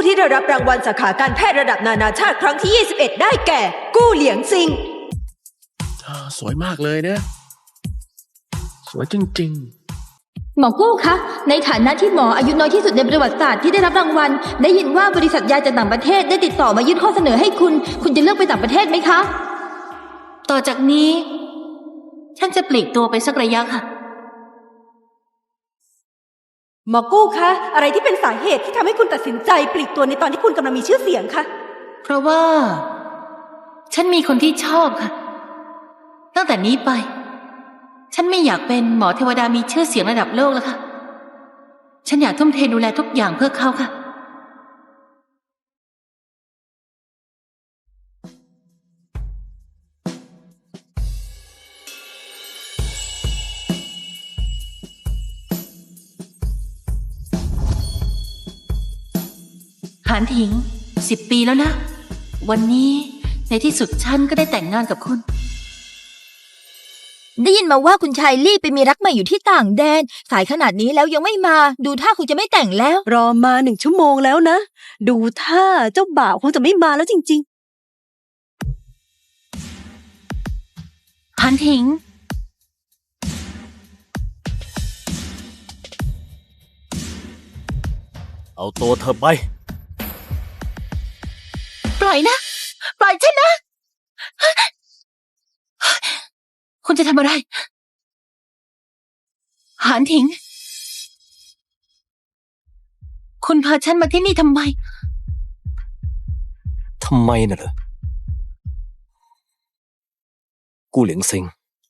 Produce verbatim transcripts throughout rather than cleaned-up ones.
ที่ได้รับรางวัลสาขาการแพทย์ระดับนานาชาติครั้งที่ยี่สิบเอ็ดได้แก่กู้เหลียงซิงสวยมากเลยนะสวยจริงๆหมอกู้คะในฐานะที่หมออายุน้อยที่สุดในประวัติศาสตร์ที่ได้รับรางวัลได้ยินว่าบริษัทยาจากต่างประเทศได้ติดต่อมายื่นข้อเสนอให้คุณคุณจะเลือกไปต่างประเทศไหมคะต่อจากนี้ฉันจะปลีกตัวไปสักระยะค่ะหมอกู้คะอะไรที่เป็นสาเหตุที่ทำให้คุณตัดสินใจปลีกตัวในตอนที่คุณกำลังมีชื่อเสียงคะเพราะว่าฉันมีคนที่ชอบค่ะตั้งแต่นี้ไปฉันไม่อยากเป็นหมอเทวดามีชื่อเสียงระดับโลกแล้วค่ะฉันอยากทุ่มเทดูแลทุกอย่างเพื่อเขาค่ะหานถิงสิบปีแล้วนะวันนี้ในที่สุดฉันก็ได้แต่งงานกับคุณได้ยินมาว่าคุณชายลี่ไปมีรักใหม่อยู่ที่ต่างแดนสายขนาดนี้แล้วยังไม่มาดูท่าคงจะไม่แต่งแล้วรอมาหนึ่งชั่วโมงแล้วนะดูท่าเจ้าบ่าวคงจะไม่มาแล้วจริงๆหานถิงเอาตัวเธอไปปล่อยนะปล่อยฉันนะคุณจะทำอะไรหานถิงคุณพาฉันมาที่นี่ทำไมทำไมน่ะเหรอกู้เหลียงซิง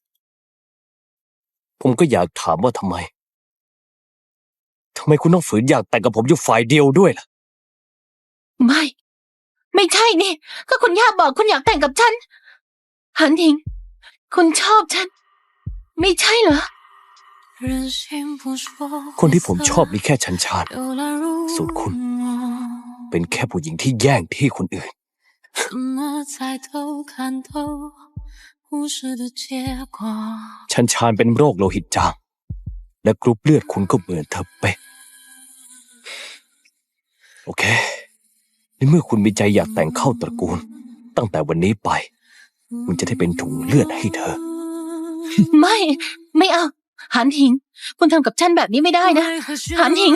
ผมก็อยากถามว่าทำไมทำไมคุณต้องฝืนอยากแต่งกับผมอยู่ฝ่ายเดียวด้วยล่ะไม่ไม่ใช่นี่ก็คุณย่าบอกคุณอยากแต่งกับฉันหานถิงคุณชอบฉันไม่ใช่เหรอคนที่ผมชอบมีแค่ชันชานส่วนคุณเป็นแค่ผู้หญิงที่แย่งที่คนอื่นชันชานเป็นโรคโลหิตจางและกรุ๊ปเลือดคุณก็เหมือนเธอเป๊ะโอเคในเมื่อคุณมีใจอยากแต่งเข้าตระกูลตั้งแต่วันนี้ไปคุณจะได้เป็นถุงเลือดให้เธอไม่ไม่เอาหานถิงคุณทำกับฉันแบบนี้ไม่ได้นะหานถิง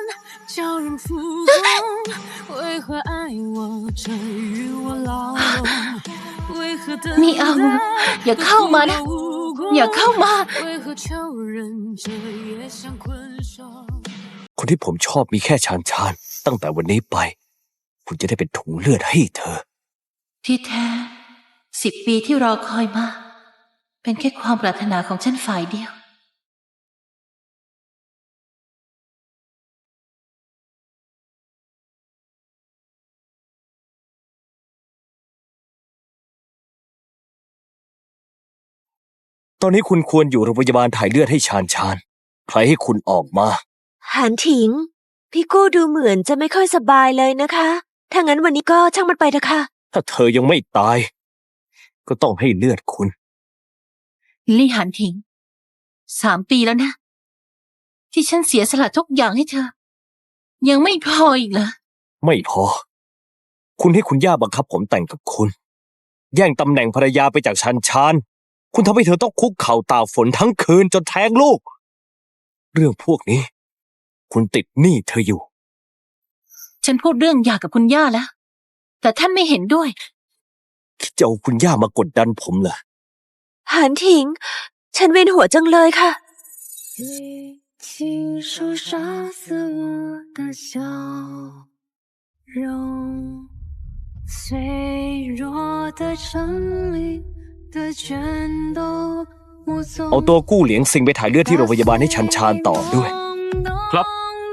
ไม่เอาอย่าเข้ามานะอย่าเข้ามาคนที่ผมชอบมีแค่ชานชานตั้งแต่วันนี้ไปคุณจะได้เป็นถุงเลือดให้เธอที่แท้สิบปีที่รอคอยมาเป็นแค่ความปรารถนาของฉันฝ่ายเดียวตอนนี้คุณควรอยู่โรงพยาบาลถ่ายเลือดให้ชานชานใครให้คุณออกมาหานถิงพี่กู้ดูเหมือนจะไม่ค่อยสบายเลยนะคะถ้างั้นวันนี้ก็ช่างมันไปเถอะค่ะถ้าเธอยังไม่ตายก็ต้องให้เลือดคุณลี่หานถิงสามปีแล้วนะที่ฉันเสียสละทุกอย่างให้เธอยังไม่พออีกเหรอไม่พอคุณให้คุณย่าบังคับผมแต่งกับคุณแย่งตำแหน่งภรรยาไปจากชันชานคุณทำให้เธอต้องคุกเข่าตากฝนทั้งคืนจนแท้งลูกเรื่องพวกนี้คุณติดหนี้เธออยู่ฉันพูดเรื่องหย่ากับคุณย่าแล้วแต่ท่านไม่เห็นด้วยคิดจะเอาคุณย่ามากดดันผมเหรอหานถิงฉันเวียนหัวจังเลยค่ะเอาตัวกู้เหลียงซิงไปถ่ายเลือดที่โรงพยาบาลให้ชันชานต่อด้วยครับ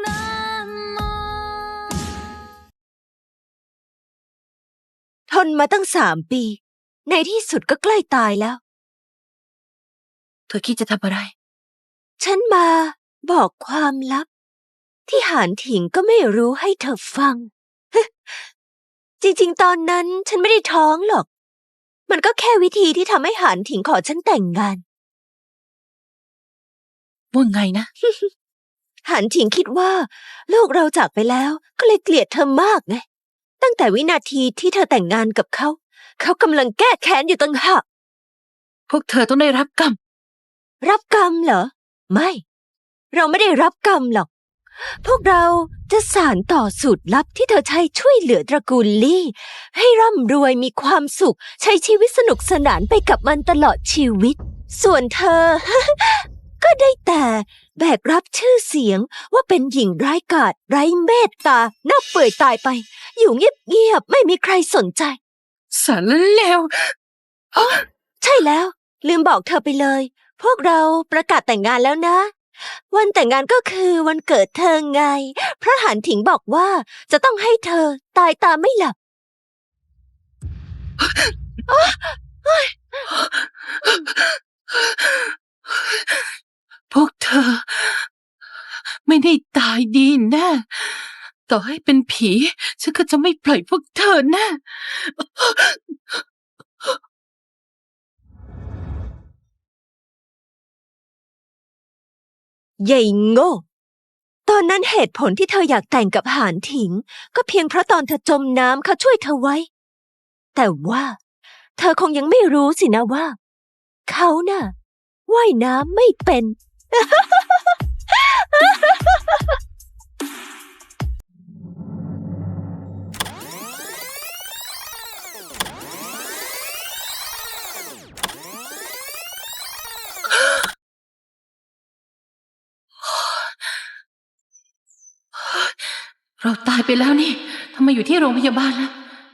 ทนมาตั้งสามปีในที่สุดก็ใกล้ตายแล้วเธอคิดจะทำอะไรฉันมาบอกความลับที่หานถิงก็ไม่รู้ให้เธอฟังจริงๆตอนนั้นฉันไม่ได้ท้องหรอกมันก็แค่วิธีที่ทำให้หานถิงขอฉันแต่งงานว่าไงนะหานถิงคิดว่าลูกเราจากไปแล้วก็เลยเกลียดเธอมากไงตั้งแต่วินาทีที่เธอแต่งงานกับเขาเขากำลังแก้แค้นอยู่ตั้งหากพวกเธอต้องได้รับกรรมรับกรรมเหรอไม่ เราไม่ได้รับกรรมหรอก พวกเราจะสานต่อสูตรลับที่เธอใช้ช่วยเหลือตระกูลลี่ ให้ร่ำรวยมีความสุขใช้ชีวิตสนุกสนานไปกับมันตลอดชีวิต ส่วนเธอ ก็ได้แต่แบกรับชื่อเสียงว่าเป็นหญิงร้ายกาจไร้เมตตาหน้าเปื่อยตายไป อยู่เงียบๆไม่มีใครสนใจสารเลวใช่แล้ว ลืมบอกเธอไปเลย พวกเราประกาศแต่งงานแล้วนะ วันแต่งงานก็คือวันเกิดเธอไงเพราะหานถิงบอกว่าจะต้องให้เธอตายตาไม่หลับพวกเธอ ไม่ได้ตายดีแน่ต่อให้เป็นผีฉันก็จะไม่ปล่อยพวกเธอแน่ใหญ่โง่ ตอนนั้นเหตุผลที่เธออยากแต่งกับหานถิง ก็เพียงเพราะตอนเธอจมน้ำเขาช่วยเธอไว้ แต่ว่า เธอคงยังไม่รู้สินะว่า เขาน่ะว่ายน้ำไม่เป็นเราตายไปแล้วนี่ทำไมอยู่ที่โรงพยาบาลล่ะ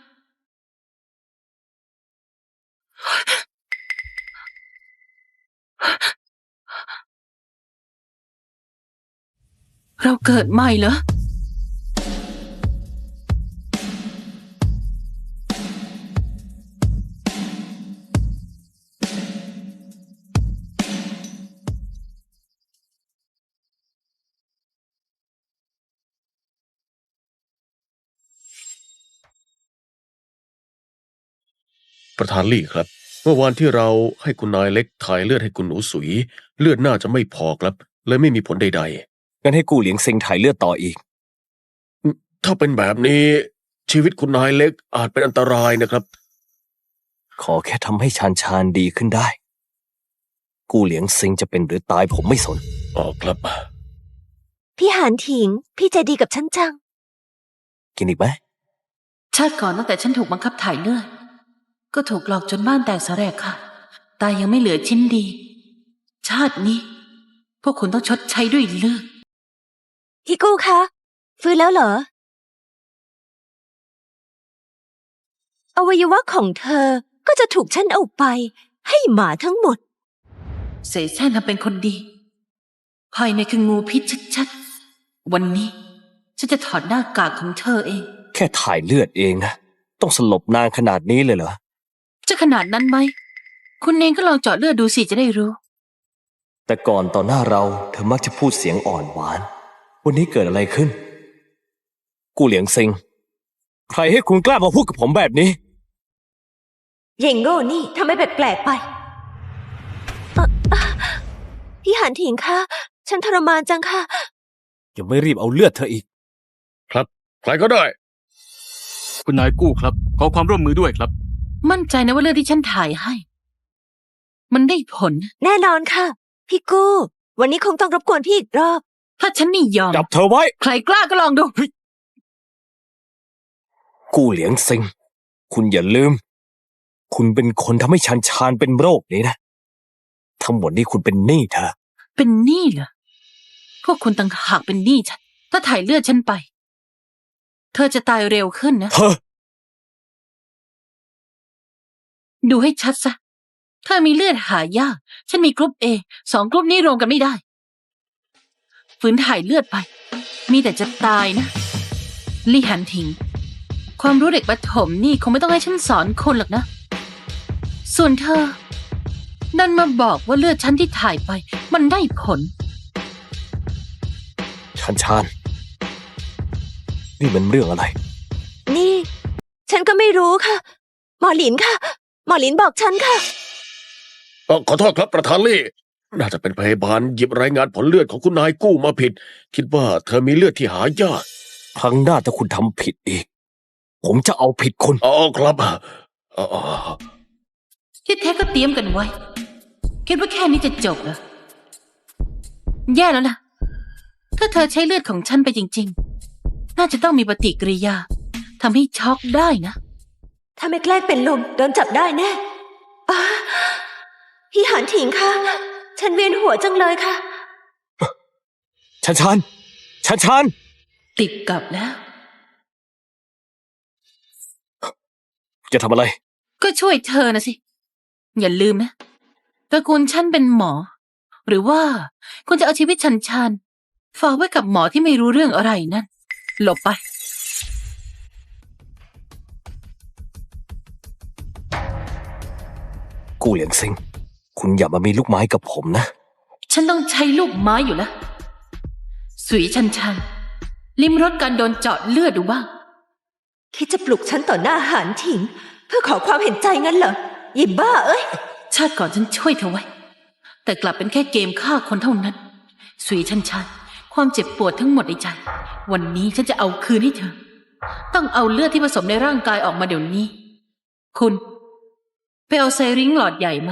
เราเกิดใหม่เหรอประธานลี่ครับเมื่อวานที่เราให้คุณนายเล็กถ่ายเลือดให้คุณหนูสุยเลือดน่าจะไม่พอครับเลยไม่มีผลใดงั้นให้กู้เหลียงเซิงถ่ายเลือดต่ออีกๆถ้าเป็นแบบนี้ชีวิตคุณนายเล็กอาจเป็นอันตรายนะครับขอแค่ทำให้ชานชานดีขึ้นได้ กู้เหลียงเซิงจะเป็นหรือตายผมไม่สนอ๋อครับพี่หานถิง พี่ใจดีกับฉันจังกินอีกไหมชาติก่อนตั้งแต่ฉันถูกบังคับถ่ายเลือดก็ถูกหลอกจนบ้านแตกสาแหรกค่ะตายยังไม่เหลือชิ้นดี ชาตินี้ พวกคุณต้องชดใช้ด้วยเลือดพี่กู้คะ ฟื้นแล้วเหรอ อวัยวะของเธอก็จะถูกฉันเอาไป ให้หมาทั้งหมดเสแสร้งทำเป็นคนดีภายในคืองูพิษชัดๆวันนี้ ฉันจะถอดหน้ากากของเธอเองแค่ถ่ายเลือดเองนะ ต้องสลบนานขนาดนี้เลยเหรอจะขนาดนั้นไหม คุณเองก็ลองเจาะเลือดดูสิจะได้รู้แต่ก่อนต่อหน้าเราเธอมักจะพูดเสียงอ่อนหวาน วันนี้เกิดอะไรขึ้น กู้เหลียงเซิง ใครให้คุณกล้ามาพูดกับผมแบบนี้เย่งโง่นี่ทำให้แปลกๆไปเอ่ออ่ะพี่หานถิงคะ ฉันทรมานจังค่ะยังไม่รีบเอาเลือดเธออีกครับใครก็ได้คุณนายกู้ครับ ขอความร่วมมือด้วยครับมั่นใจนะว่าเลือดที่ฉันถ่ายให้ มันได้ผลแน่นอนค่ะ พี่กู้ วันนี้คงต้องรบกวนพี่อีกรอบถ้าฉันไม่ยอมจับเธอไว้ใครกล้าก็ลองดูกู้เหลียงเซิง คุณอย่าลืม คุณเป็นคนทำให้ชานชานเป็นโรคนี้นะ ทั้งหมดนี้คุณเป็นหนี้เธอเป็นหนี้เหรอ พวกคุณต่างหากเป็นหนี้ฉัน ถ้าถ่ายเลือดฉันไป เธอจะตายเร็วขึ้นนะเธอดูให้ชัดซะ เธอมีเลือดหายาก ฉันมีกรุ๊ปเอสองกรุ๊ปนี้รวมกันไม่ได้ ฝืนถ่ายเลือดไป มีแต่จะตายนะ ลี่หันถิง ความรู้เด็กประถมนี่คงไม่ต้องให้ฉันสอนคนหรอกนะ ส่วนเธอ ดันมาบอกว่าเลือดฉันที่ถ่ายไป มันได้ผลชานชาน นี่มันเรื่องอะไรนี่ ฉันก็ไม่รู้ค่ะ หมอหลินค่ะ หมอหลินบอกฉันค่ะเอ่อขอโทษครับประธานลี่น่าจะเป็นพยาบาลหยิบรายงานผลเลือดของคุณนายกู้มาผิด คิดว่าเธอมีเลือดที่หายากครั้งหน้าถ้าคุณทำผิดอีก ผมจะเอาผิดคุณอ๋อครับอ๋อที่แท้ก็เตรียมกันไว้ คิดว่าแค่นี้จะจบเหรอ แย่แล้วล่ะ ถ้าเธอใช้เลือดของฉันไปจริงๆ น่าจะต้องมีปฏิกิริยาทำให้ช็อกได้นะถ้าไม่แกล้งเป็นลมโดนจับได้แน่อ่าพี่หานถิงคะฉันเวียนหัวจังเลยค่ะชันชานชันชานติดกับแล้วจะทำอะไรก็ช่วยเธอนะสิ อย่าลืมนะตระกูลฉันเป็นหมอ หรือว่าคุณจะเอาชีวิตฉันชานฝากไว้กับหมอที่ไม่รู้เรื่องอะไรนั่น หลบไปกู้เหลียงซิง คุณอย่ามามีลูกไม้กับผมนะฉันต้องใช้ลูกไม้อยู่แล้วสุยชันชันลิ้มรสการโดนเจาะเลือดดูบ้างคิดจะปลุกฉันต่อหน้าหานถิง เพื่อขอความเห็นใจงั้นเหรอหยิบบ้าเอ้ยชาติก่อนฉันช่วยเธอไว้ แต่กลับเป็นแค่เกมฆ่าคนเท่านั้นสุยชันชันความเจ็บปวดทั้งหมดในใจ วันนี้ฉันจะเอาคืนให้เธอ ต้องเอาเลือดที่ผสมในร่างกายออกมาเดี๋ยวนี้ คุณไปเอาไซริงหลอดใหญ่มา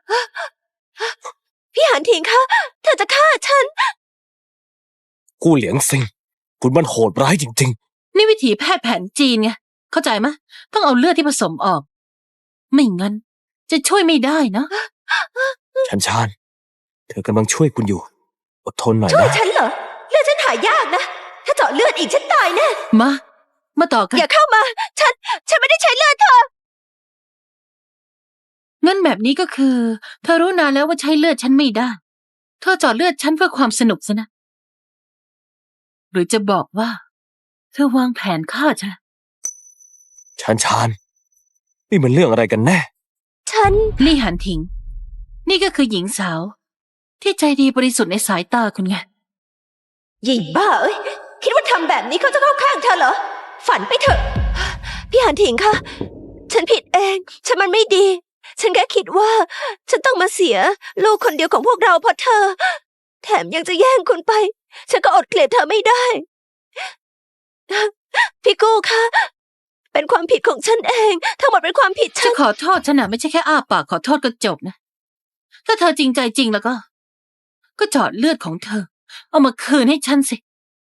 พี่หานถิงคะเธอจะฆ่าฉันกู้เหลียงซิง คุณมันโหดร้ายจริงนี่วิถีแพทย์แผนจีนไงเข้าใจไหมต้องเอาเลือดที่ผสมออก ไม่งั้น จะช่วยไม่ได้นะๆ ชันชาน เธอกำลังช่วยคุณอยู่ อดทนหน่อยช่วยนะฉันเหรอเลือดฉันหายากนะ ถ้าเจาะเลือดอีกฉันตายแน่มา มาต่อกันอย่าเข้ามา ฉัน ฉันไม่ได้ใช้เลือดเธองั้นแบบนี้ก็คือ เธอรู้นานแล้วว่าใช้เลือดฉันไม่ได้ เธอเจาะเลือดฉันเพื่อความสนุกซะนะ หรือจะบอกว่า เธอวางแผนฆ่าฉันชันชาน นี่มันเรื่องอะไรกันแน่ฉันลี่หันถิง นี่ก็คือหญิงสาว ที่ใจดีบริสุทธิ์ในสายตาคุณไงหยิบบ้าเอ้ย คิดว่าทำแบบนี้เขาจะเข้าข้างเธอเหรอ ฝันไปเถอะ พี่หานถิงคะฉันผิดเอง ฉันมันไม่ดี ฉันแค่คิดว่า ฉันต้องมาเสีย ลูกคนเดียวของพวกเราเพราะเธอ แถมยังจะแย่งคุณไป ฉันก็อดเกลียดเธอไม่ได้ พี่กู้คะเป็นความผิดของฉันเอง ทั้งหมดเป็นความผิดฉัจะนขอโทษฉันนะไม่ใช่แค่อ้าปากขอโทษก็จบนะ ถ้าเธอจริงใจจริงแล้วก็ ก็เจาะเลือดของเธอ เอามาคืนให้ฉันสิ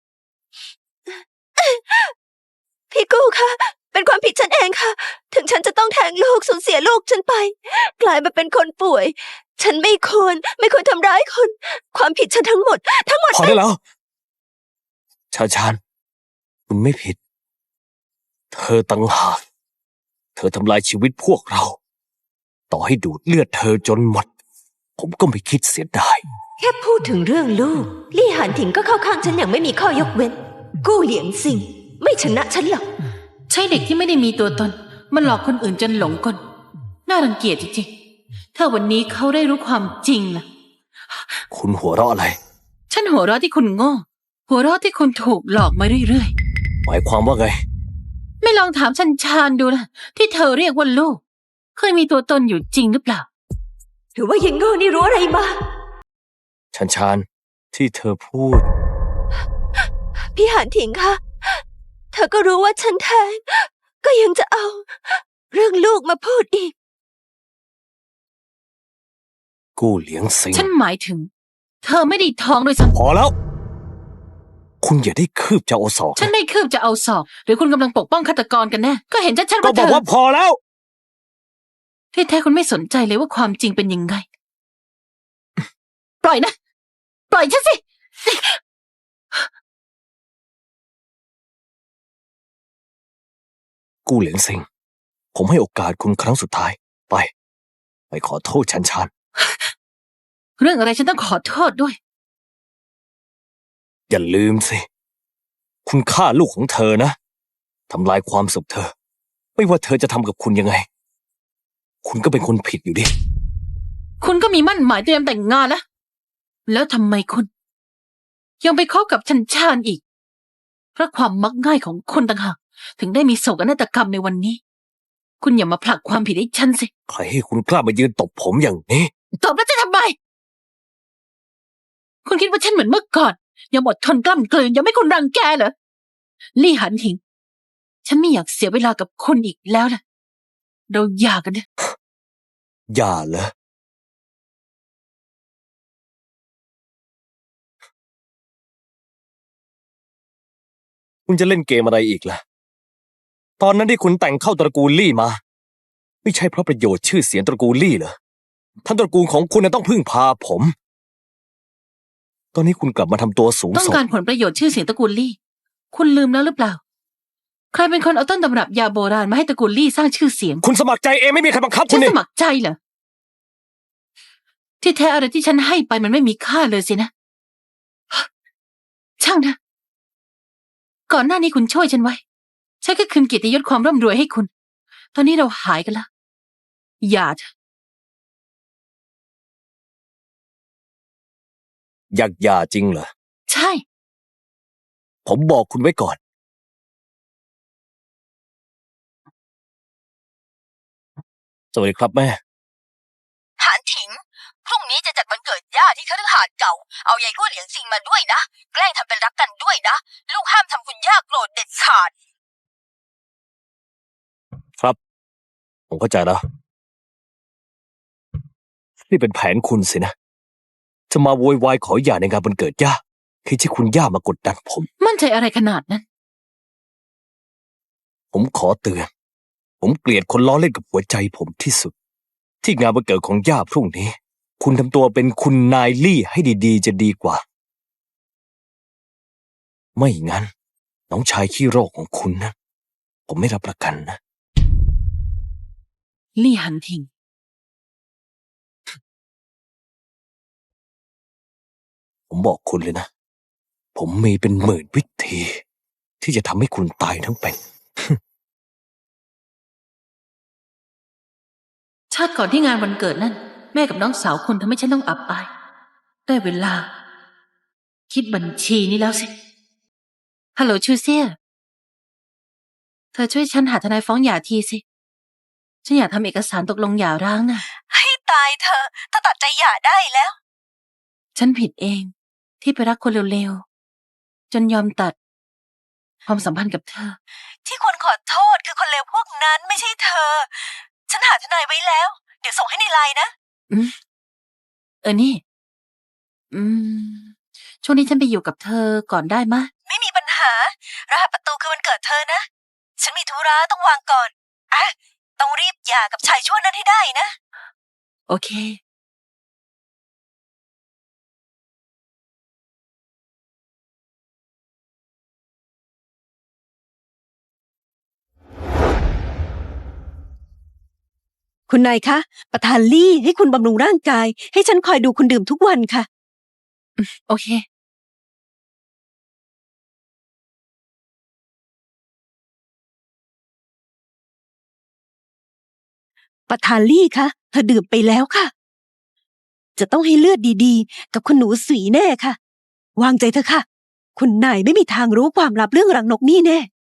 พี่กู้คะเป็นความผิดฉันเองค่ะ ถึงฉันจะต้องแทงลูกสูญเสียลูกฉันไป กลายมาเป็นคนป่วย ฉันไม่ควร ไม่ควรทำร้ายคน ความผิดฉันทั้งหมด ทั้งหมดพอได้แล้ว ชาชาน คุณไม่ผิด เธอตั้งหาก เธอทำลายชีวิตพวกเรา ต่อให้ดูดเลือดเธอจนหมด ผมก็ไม่คิดเสียดายแค่พูดถึงเรื่องลูก ลี่หานถิงก็เข้าข้างฉันอย่างไม่มีข้อยกเว้น กู้เหลียงซิง ไม่ชนะฉันหรอกใช่เด็กที่ไม่ได้มีตัวตน มันหลอกคนอื่นจนหลงกล น่ารังเกียจจริงๆ ถ้าวันนี้เขาได้รู้ความจริงล่ะคุณหัวเราะอะไรฉันหัวเราะที่คุณโง่ หัวเราะที่คุณถูกหลอกมาเรื่อยหมายความว่าไงๆ ไม่ลองถามชันชานดูล่ะ ที่เธอเรียกว่าลูก เคยมีตัวตนอยู่จริงหรือเปล่าหรือว่ายังโง่นี่รู้อะไรมาชันชาน ที่เธอพูดพี่หานถิงคะ เธอก็รู้ว่าฉันแท้ง ก็ยังจะเอา เรื่องลูกมาพูดอีกกู้เหลียงซิงฉันหมายถึง เธอไม่ได้ท้องด้วยซ้ำพอแล้ว คุณอย่าได้คืบจะเอาศอกฉันไม่คืบจะเอาศอก หรือคุณกำลังปกป้องฆาตกรกันแน่ ก็เห็นชัดๆก็ว่าบเธอกอว่าพอแล้วที่แท้คุณไม่สนใจเลยว่าความจริงเป็นยังไง ปล่อยนะ ปล่อยฉันสิกู้เหลียงซิง ผมให้โอกาสคุณครั้งสุดท้าย ไป ไปขอโทษชันชานเรื่องอะไรฉันต้องขอโทษด้วยอย่าลืมสิ คุณฆ่าลูกของเธอนะ ทำลายความสุขเธอ ไม่ว่าเธอจะทำกับคุณยังไง คุณก็เป็นคนผิดอยู่ดิคุณก็มีมั่นหมายเตรียมแต่งงานแล้ว แล้วทำไมคุณ ยังไปคบกับชันชานอีก เพราะความมักง่ายของคนต่างหากถึงได้มีโศกนาฏกรรมในวันนี้ คุณอย่ามาผลักความผิดให้ฉันสิใครให้คุณกล้ามายืนตบผมอย่างนี้ตอบแล้วจะทำไมคุณคิดว่าฉันเหมือนเมื่อก่อนยังอดทนกล้ำกลืนยังไม่คุณรังแกเหรอลี่หันถิงฉันไม่อยากเสียเวลากับคนอีกแล้วนะเราหย่ากันเถอะอย่าเหรอคุณจะเล่นเกมอะไรอีกล่ะตอนนั้นที่คุณแต่งเข้าตระกูลลี่มาไม่ใช่เพราะประโยชน์ชื่อเสียงตระกูลลี่เหรอท่านตระกูลของคุณน่ะต้องพึ่งพาผม ตอนนี้คุณกลับมาทำตัวสูงต้องส่งการผลประโยชน์ชื่อเสียงตระกูลลี่คุณลืมแล้วหรือเปล่าใครเป็นคนเอาต้นตำรับยาโบราณมาให้ตระกูลลี่สร้างชื่อเสียงคุณสมัครใจเองไม่มีใครบังคับคุฉัณนนี่สมัครใจเหรอที่แท้อะไรที่ฉันให้ไปมันไม่มีค่าเลยสินะช่างนะก่อนหน้านี้คุณช่วยฉันไว้ฉันก็คืนเกียรติยศความร่ำรวยให้คุณตอนนี้เราหายกันแล้วอย่าเถอะอยากหย่าจริงเหรอใช่ผมบอกคุณไว้ก่อน สวัสดีครับแม่หานถิง พรุ่งนี้จะจัดวันเกิดย่าที่คฤหาสน์เก่า เอายายกู้เหลียงซิงมาด้วยนะ แกล้งทำเป็นรักกันด้วยนะ ลูกห้ามทำคุณย่าโกรธเด็ดขาดครับ ผมเข้าใจแล้วนี่เป็นแผนคุณสินะ จะมาโวยวายขอหย่าในงานวันเกิดย่าคือที่คุณย่ามากดดันผมมั่นใจอะไรขนาดนั้นผมขอเตือน ผมเกลียดคนล้อเล่นกับหัวใจผมที่สุด ที่งานวันเกิดของย่าพรุ่งนี้ คุณทำตัวเป็นคุณนายลี่ให้ดีๆจะดีกว่า ไม่งั้น น้องชายขี้โรคของคุณนะ ผมไม่รับประกันนะลี่หันทิงผมบอกคุณเลยนะ ผมมีเป็นหมื่นวิธี ที่จะทำให้คุณตายทั้งเป็นชาติก่อนที่งานวันเกิดนั่นแม่กับน้องสาวคุณทำให้ฉันต้องอับอายได้เวลา คิดบัญชีนี้แล้วสิฮัลโหลชูเซียเธอช่วยฉันหาทนายฟ้องหย่าทีสิฉันอยากทำเอกสารตกลงหย่าร้างน่ะให้ตายเธอถ้าตัดใจหย่าได้แล้วฉันผิดเองที่ไปรักคนเร็วๆจนยอมตัดความสัมพันธ์กับเธอที่ควรขอโทษคือคนเลวพวกนั้นไม่ใช่เธอ ฉันหาทนายไว้แล้ว เดี๋ยวส่งให้ในไลน์นะอืมเออนี่ อืม ช่วงนี้ฉันไปอยู่กับเธอก่อนได้มะไม่มีปัญหารหัสประตูคือวันเกิดเธอนะ ฉันมีธุระต้องวางก่อนอ่ะต้องรีบหย่ากับชายชั่วนั้นให้ได้นะโอเคคุณนายคะ ประธานลี่ให้คุณบำรุงร่างกาย ให้ฉันคอยดูคุณดื่มทุกวันค่ะโอเคประธานลี่คะเธอดื่มไปแล้วค่ะ จะต้องให้เลือดดีๆ กับคุณหนูสีแน่ค่ะ วางใจเถอะค่ะ คุณนายไม่มีทางรู้ความลับเรื่องรังนกนี่แน่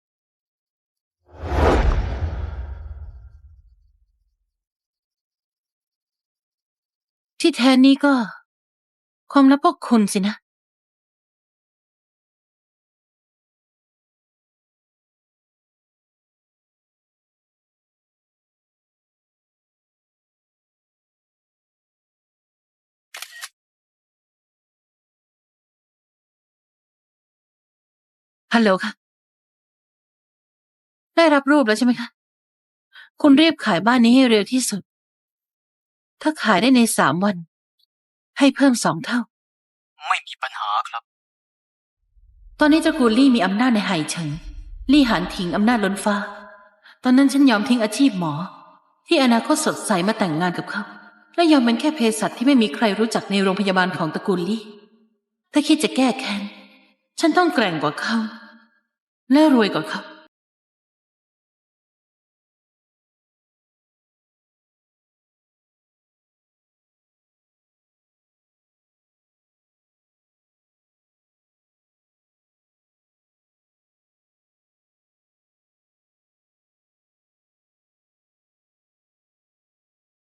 ที่แท้นี่ก็ ความลับพวกคุณสินะ ฮัลโหลค่ะ ได้รับรูปแล้วใช่ไหมคะ คุณรีบขายบ้านนี้ให้เร็วที่สุด ถ้าขายได้ในสามวัน ให้เพิ่มสองเท่าไม่มีปัญหาครับตอนนี้ตระกูลลี่มีอำนาจในไหเฉิง ลี่หานถิงอำนาจล้นฟ้า ตอนนั้นฉันยอมทิ้งอาชีพหมอ ที่อนาคตสดใสมาแต่งงานกับเขา และยอมเป็นแค่เภสัชที่ไม่มีใครรู้จักในโรงพยาบาลของตระกูลลี่ ถ้าคิดจะแก้แค้น ฉันต้องแกร่งกว่าเขา และรวยกว่าเขา